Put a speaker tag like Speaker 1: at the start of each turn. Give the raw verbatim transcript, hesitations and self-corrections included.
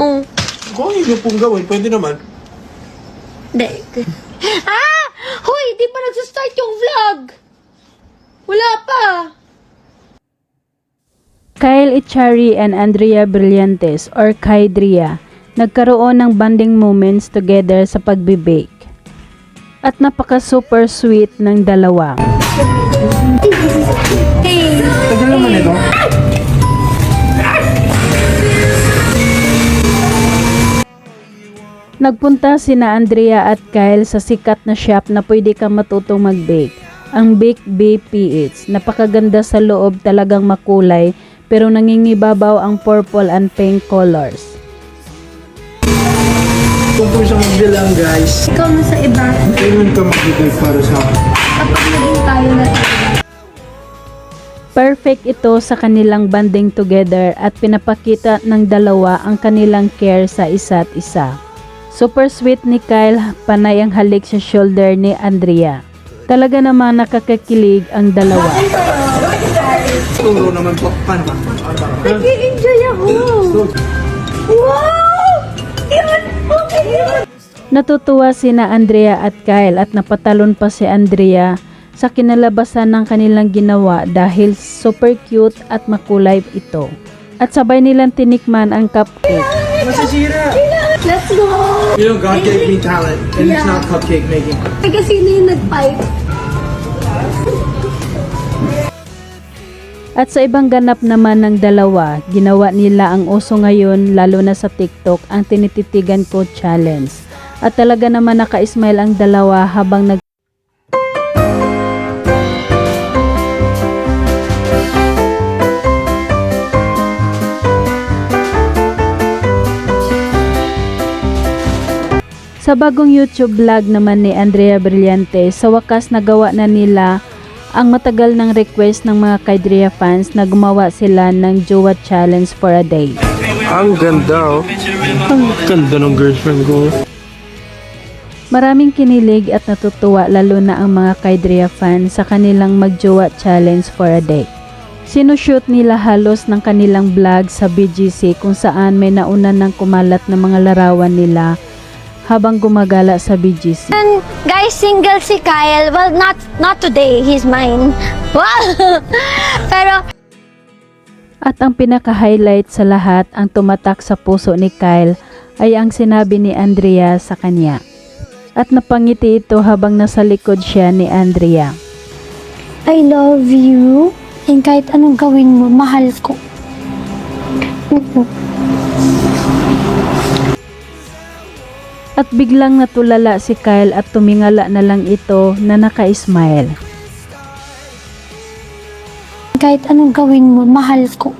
Speaker 1: Oh.
Speaker 2: Kung hindi pong gawin, pwede naman.
Speaker 1: Hindi. Ah! Hoy, di pa nagsastart yung vlog? Wala pa.
Speaker 3: Kyle Echari and Andrea Brillantes or Kydria nagkaroon ng bonding moments together sa pagbe-bake. At napaka super sweet ng dalawa.
Speaker 1: Hey.
Speaker 2: Tagal naman ito.
Speaker 3: Nagpunta sina Andrea at Kyle sa sikat na shop na pwede kang matutong mag-bake, ang Bake Bay P H. Napakaganda sa loob, talagang makulay, pero nangingibabaw ang purple and pink colors.
Speaker 2: Tungkol sa magbilang, guys.
Speaker 1: Ikaw na sa iba.
Speaker 2: Kailan ka magbigay para sa akin?
Speaker 1: Kapag naging tayo na
Speaker 3: Perfect ito sa kanilang banding together at pinapakita ng dalawa ang kanilang care sa isa't isa. Super sweet ni Kyle, panay ang halik sa shoulder ni Andrea. Talaga naman nakakakilig ang dalawa.
Speaker 2: Turo naman po. Paano ba?
Speaker 1: nag-i-enjoy ako. Wow! Yan! Okay yun!
Speaker 3: Natutuwa sina Andrea at Kyle at napatalon pa si Andrea sa kinalabasan ng kanilang ginawa dahil super cute at makulay ito. At sabay nilang tinikman ang cupcake.
Speaker 2: Masasira!
Speaker 1: Let's go!
Speaker 2: You know, God gave me talent, and it's
Speaker 1: Yeah.
Speaker 2: not cupcake making.
Speaker 1: Kasi sino yung nag-pipe?
Speaker 3: At sa ibang ganap naman ng dalawa, ginawa nila ang uso ngayon lalo na sa TikTok, ang tinititigan ko challenge. At talaga naman naka-smile ang dalawa habang nag Sa bagong YouTube vlog naman ni Andrea Brillantes, sa wakas nagawa na nila ang matagal ng request ng mga Kydria fans na gumawa sila ng Jowa Challenge for a day.
Speaker 2: Ang ganda, oh. Ang ganda ng girlfriend ko.
Speaker 3: Maraming kinilig at natutuwa lalo na ang mga Kydria fans sa kanilang mag-Jowa Challenge for a day. Sinushoot nila halos ng kanilang vlog sa B G C kung saan may nauna ng kumalat na mga larawan nila habang gumagala sa B G C.
Speaker 1: And guys, single si Kyle. Well, not not today. He's mine. Wow! Pero
Speaker 3: At ang pinaka-highlight sa lahat, ang tumatak sa puso ni Kyle ay ang sinabi ni Andrea sa kanya. At napangiti ito habang nasa likod siya ni Andrea.
Speaker 1: I love you. And kahit anong gawin mo, mahal ko.
Speaker 3: At biglang natulala si Kyle at tumingala na lang ito na naka-smile.
Speaker 1: Kahit anong gawin mo, mahal ko.